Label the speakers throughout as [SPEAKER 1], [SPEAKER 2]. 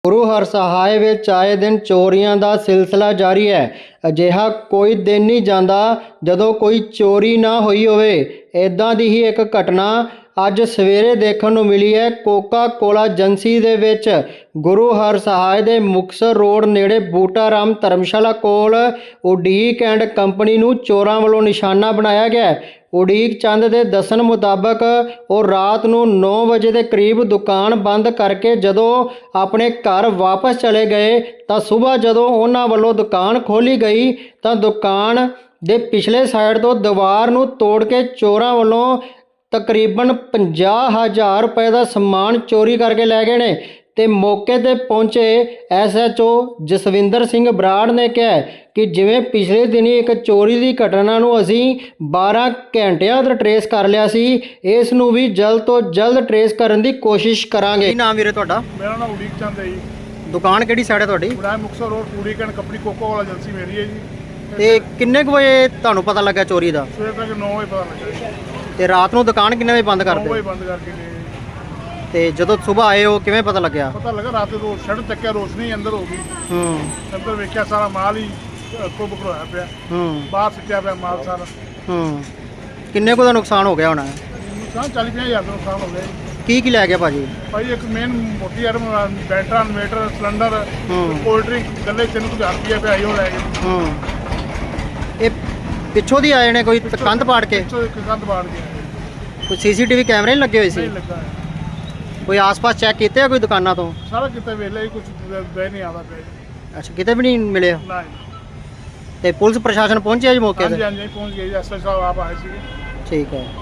[SPEAKER 1] ਗੁਰੂ ਹਰਸਹਾਏ ਵਿੱਚ ਆਏ ਦਿਨ ਚੋਰੀਆਂ ਦਾ ਸਿਲਸਿਲਾ ਜਾਰੀ ਹੈ। ਅਜਿਹਾ ਕੋਈ ਦਿਨ ਨਹੀਂ ਜਾਂਦਾ ਜਦੋਂ ਕੋਈ ਚੋਰੀ ਨਾ ਹੋਈ ਹੋਵੇ। ਇੱਦਾਂ ਦੀ ਹੀ ਇੱਕ ਘਟਨਾ ਅੱਜ ਸਵੇਰੇ ਦੇਖਣ ਨੂੰ ਮਿਲੀ ਹੈ। ਕੋਕਾ ਕੋਲਾ ਏਜੰਸੀ ਦੇ ਵਿੱਚ ਗੁਰੂ ਹਰਸਹਾਏ ਦੇ ਮੁਕਤਸਰ ਰੋਡ ਨੇੜੇ ਬੂਟਾ ਰਾਮ ਧਰਮਸ਼ਾਲਾ ਕੋਲ ਉਡੀਕ ਐਂਡ ਕੰਪਨੀ ਨੂੰ ਚੋਰਾਂ ਵੱਲੋਂ ਨਿਸ਼ਾਨਾ ਬਣਾਇਆ ਗਿਆ ਹੈ। ਉਡੀਕ ਚੰਦ ਦੇ ਦੱਸਣ ਮੁਤਾਬਕ ਉਹ ਰਾਤ ਨੂੰ 9 ਵਜੇ ਦੇ ਕਰੀਬ ਦੁਕਾਨ ਬੰਦ ਕਰਕੇ ਜਦੋਂ ਆਪਣੇ ਘਰ ਵਾਪਸ ਚਲੇ ਗਏ ਤਾਂ ਸਵੇਰ ਜਦੋਂ ਉਹਨਾਂ ਵੱਲੋਂ ਦੁਕਾਨ ਖੋਲ੍ਹੀ ਗਈ ਤਾਂ ਦੁਕਾਨ ਦੇ ਪਿਛਲੇ ਸਾਈਡ ਤੋਂ ਦੀਵਾਰ ਨੂੰ ਤੋੜ ਕੇ ਚੋਰਾਂ ਵੱਲੋਂ ਤਕਰੀਬਨ 50,000 ਰੁਪਏ ਦਾ ਸਮਾਨ ਚੋਰੀ ਕਰਕੇ ਲੈ ਗਏ ਨੇ। ਤੇ ਮੌਕੇ ਤੇ ਪਹੁੰਚੇ SHO ਜਸਵਿੰਦਰ ਸਿੰਘ ਬਰਾੜ ਨੇ ਕਿਹਾ ਕਿ ਜਿਵੇਂ ਪਿਛਲੇ ਦਿਨੀ ਇੱਕ ਚੋਰੀ ਦੀ ਘਟਨਾ ਨੂੰ ਅਸੀਂ 12 ਘੰਟਿਆਂ ਤੱਕ ਟਰੇਸ ਕਰ ਲਿਆ ਸੀ, ਇਸ ਨੂੰ ਵੀ ਜਲਦ ਤੋਂ ਜਲਦ ਟਰੇਸ ਕਰਨ ਦੀ ਕੋਸ਼ਿਸ਼ ਕਰਾਂਗੇ। ਕੀ ਨਾਮ ਵੀਰੇ ਤੁਹਾਡਾ?
[SPEAKER 2] ਮੇਰਾ ਨਾਮ ਉਡੀਕ ਚੰਦ ਹੈ ਜੀ।
[SPEAKER 1] ਦੁਕਾਨ ਕਿਹੜੀ ਸਾਈਡ ਹੈ ਤੁਹਾਡੀ?
[SPEAKER 2] ਬੁਰਾਏ Muktsar road Udeek and company Coca Cola agency ਮੇਰੀ ਹੈ ਜੀ।
[SPEAKER 1] ਤੇ ਕਿੰਨੇ ਕੁ ਵਜੇ ਤੁਹਾਨੂੰ ਪਤਾ ਲੱਗਾ ਚੋਰੀ ਦਾ?
[SPEAKER 2] ਸਵੇਰ ਤੱਕ 9 ਵਜੇ ਪਤਾ ਲੱਗਾ ਜੀ।
[SPEAKER 1] ਤੇ ਰਾਤ ਨੂੰ ਦੁਕਾਨ ਕਿੰਨੇ ਵਜੇ ਬੰਦ
[SPEAKER 2] 9
[SPEAKER 1] ਕਰਦੇ?
[SPEAKER 2] ਵਜੇ ਬੰਦ ਕਰਕੇ ਗਏ।
[SPEAKER 1] ਤੇ ਜਦੋਂ ਸਵੇਰ ਆਏ ਹੋ ਕਿਵੇਂ ਪਤਾ ਲੱਗਿਆ?
[SPEAKER 2] ਪਤਾ ਲੱਗਾ ਰਾਤ ਨੂੰ ਸ਼ਟਰ ਚੱਕਿਆ, ਰੋਸ਼ਨੀ ਅੰਦਰ ਹੋ ਗਈ। ਅੰਦਰ ਵੇਖਿਆ ਸਾਰਾ ਮਾਲ ਹੀ ਕੋਬ ਹੋਇਆ ਪਿਆ। ਬਾਹਰ ਸਿੱਟਿਆ ਪਿਆ ਮਾਲ ਸਾਰਾ।
[SPEAKER 1] ਕਿੰਨੇ ਕੁ ਦਾ ਨੁਕਸਾਨ ਹੋ ਗਿਆ ਹੋਣਾ?
[SPEAKER 2] ਨੁਕਸਾਨ 40-50 ਹਜ਼ਾਰ ਦਾ ਨੁਕਸਾਨ ਹੋ ਗਿਆ ਜੀ।
[SPEAKER 1] ਕੀ ਲੈ ਗਿਆ ਭਾਜੀ?
[SPEAKER 2] ਭਾਈ ਇੱਕ ਮੇਨ ਮੋਟੀ ਆਈਟਮ ਬੈਟਰਾ, ਇਨਵੇਟਰ, ਸਿਲੰਡਰ, ਕੋਲਡ ਡਰਿੰਕ, ਗੱਲੇ 3,000 ਰੁਪਏ ਪਿਆ ਹੀ ਉਹ ਲੈ ਗਏ।
[SPEAKER 1] ਇਹ ਪਿੱਛੋਂ ਦੀ ਆਏ ਨੇ ਕੋਈ ਕੰਧ ਪਾੜ ਕੇ?
[SPEAKER 2] ਕੰਧ ਪਾੜ ਕੇ
[SPEAKER 1] ਕੋਈ CCTV ਕੈਮਰੇ ਨਹੀਂ ਲੱਗੇ ਹੋਏ ਸੀ?
[SPEAKER 2] ਨਹੀਂ ਲੱਗਾ।
[SPEAKER 1] ਕੋਈ ਆਸ-ਪਾਸ ਚੈੱਕ ਕੀਤੇ ਆ ਕੋਈ ਦੁਕਾਨਾਂ ਤੋਂ?
[SPEAKER 2] ਸਾਰਾ ਕਿਤੇ ਵੇਲੇ ਕੁਝ ਦੇ ਨਹੀਂ ਆਦਾ ਪਿਆ।
[SPEAKER 1] ਅੱਛਾ, ਕਿਤੇ ਵੀ ਨਹੀਂ ਮਿਲਿਆ?
[SPEAKER 2] ਨਹੀਂ।
[SPEAKER 1] ਤੇ ਪੁਲਿਸ ਪ੍ਰਸ਼ਾਸਨ ਪਹੁੰਚਿਆ ਜੀ ਮੌਕੇ ਤੇ?
[SPEAKER 2] ਹਾਂਜੀ ਪਹੁੰਚ ਗਏ ਜੀ। SHO ਸਾਹਿਬ ਆਪ ਆਏ ਸੀਗੇ।
[SPEAKER 1] ਠੀਕ ਹੈ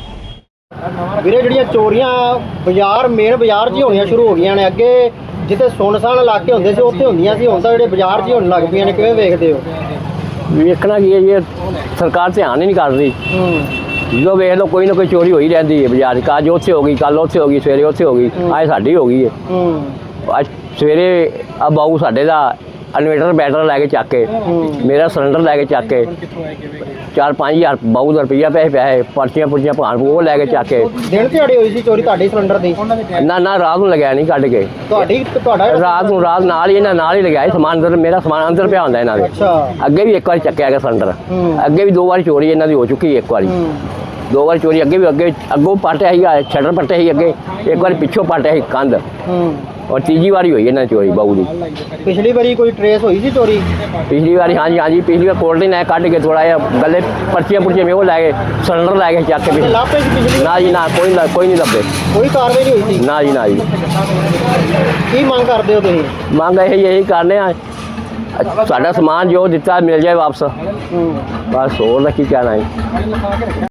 [SPEAKER 1] ਵੀਰੇ, ਜਿਹੜੀਆਂ ਚੋਰੀਆਂ ਮੇਨ ਬਾਜ਼ਾਰ 'ਚ ਹੀ ਹੋਣੀਆਂ ਸ਼ੁਰੂ ਹੋ ਗਈਆਂ ਨੇ। ਅੱਗੇ ਜਿੱਥੇ ਸੁੰਨਸਾਨ ਇਲਾਕੇ ਹੁੰਦੇ ਸੀ ਉੱਥੇ ਹੁੰਦੀਆਂ ਸੀ, ਹੁਣ ਤਾਂ ਜਿਹੜੇ ਬਾਜ਼ਾਰ 'ਚ ਹੀ ਹੋਣ ਲੱਗ ਪਈਆਂ ਨੇ। ਕਿਵੇਂ ਵੇਖਦੇ ਹੋ?
[SPEAKER 3] ਵੇਖਣਾ ਕੀ ਹੈ ਜੀ, ਸਰਕਾਰ ਧਿਆਨ ਹੀ ਨਹੀਂ ਕਰ ਰਹੀ। ਜਦੋਂ ਵੇਖ ਲਓ ਕੋਈ ਨਾ ਕੋਈ ਚੋਰੀ ਹੋਈ ਰਹਿੰਦੀ ਹੈ ਬਾਜ਼ਾਰ 'ਚ। ਅੱਜ ਉੱਥੇ ਹੋ ਗਈ, ਕੱਲ ਉੱਥੇ ਹੋ ਗਈ, ਸਵੇਰੇ ਉੱਥੇ ਹੋ ਗਈ, ਅੱਜ ਸਾਡੀ ਹੋ ਗਈ ਹੈ। ਅੱਜ ਸਵੇਰੇ ਆ ਬਾਊ ਸਾਡੇ ਦਾ ਇਨਵੇਟਰ ਬੈਟਰ ਲੈ ਕੇ ਚੱਕ ਕੇ, ਮੇਰਾ ਸਿਲੰਡਰ ਲੈ ਕੇ ਚੱਕ ਕੇ, 4-5 ਹਜ਼ਾਰ ਬਾਊ ਦਾ ਰੁਪਈਆ ਪੈਸੇ ਪਰਚੀਆਂ ਪੁਰਚੀਆਂ ਭਾਣ ਉਹ ਲੈ ਕੇ ਚੱਕ ਕੇ।
[SPEAKER 1] ਦਿਨ ਦਿਹਾੜੇ ਹੋਈ ਸੀ ਚੋਰੀ ਤੁਹਾਡੀ ਸਿਲੰਡਰ ਦੀ?
[SPEAKER 3] ਨਾ ਰਾਤ ਨੂੰ ਲਗਾਇਆ ਨਹੀਂ, ਕੱਢ ਕੇ
[SPEAKER 1] ਤੁਹਾਡਾ
[SPEAKER 3] ਰਾਤ ਨਾਲ ਹੀ ਇਹਨਾਂ ਨਾਲ ਹੀ ਲਗਾਇਆ ਸਮਾਨ ਅੰਦਰ। ਮੇਰਾ ਸਮਾਨ ਅੰਦਰ ਪਿਆ ਹੁੰਦਾ ਇਹਨਾਂ ਦੇ। ਅੱਗੇ ਵੀ ਇੱਕ ਵਾਰੀ ਚੱਕਿਆ ਗਿਆ ਸਿਲੰਡਰ। ਅੱਗੇ ਵੀ 2 ਵਾਰੀ ਚੋਰੀ ਇਹਨਾਂ ਦੀ ਹੋ ਚੁੱਕੀ। ਇੱਕ ਵਾਰੀ 2 ਵਾਰੀ ਚੋਰੀ ਅੱਗੇ ਵੀ ਅੱਗੋਂ ਪਾਟਿਆ ਸੀ, ਸ਼ਟਰ ਪੱਟਿਆ ਸੀ ਅੱਗੇ। ਇੱਕ ਵਾਰੀ ਪਿੱਛੋਂ ਪਾਟਿਆ ਸੀ ਕੰਧ। ਔਰ ਤੀਜੀ ਵਾਰੀ ਹੋਈ ਇਹਨਾਂ ਚੋਰੀ ਬਾਊ ਦੀ।
[SPEAKER 1] ਪਿਛਲੀ ਵਾਰੀ ਕੋਈ ਟਰੇਸ ਹੋਈ ਸੀ ਚੋਰੀ?
[SPEAKER 3] ਪਿਛਲੀ ਵਾਰੀ ਹਾਂਜੀ ਪਿਛਲੀ ਵਾਰ ਕੋਲਡ ਡਰਿੰਕ ਕੱਢ ਕੇ ਥੋੜਾ ਜਿਹਾ ਗੱਲੇ ਪਰਚੀਆਂ ਪੁਰਚੀਆਂ ਮੈਂ ਉਹ ਲੈ ਕੇ ਸਿਲੰਡਰ ਲੈ ਕੇ ਚੱਕ ਕੇ। ਨਾ ਜੀ ਨਾ, ਕੋਈ ਨਹੀਂ ਲੱਭੇ।
[SPEAKER 1] ਕੋਈ ਕਾਰਵਾਈ ਨਹੀਂ ਹੋਈ ਸੀ?
[SPEAKER 3] ਨਾ ਜੀ ਨਾ ਜੀ।
[SPEAKER 1] ਕੀ ਮੰਗ ਕਰਦੇ ਹੋ ਤੁਸੀਂ?
[SPEAKER 3] ਮੰਗ ਇਹੀ ਕਰਨੇ ਆ, ਸਾਡਾ ਸਮਾਨ ਜੋ ਦਿੱਤਾ ਮਿਲ ਜਾਏ ਵਾਪਸ। ਬਸ ਹੋਰ ਦਾ ਕੀ ਕਹਿਣਾ ਹੈ।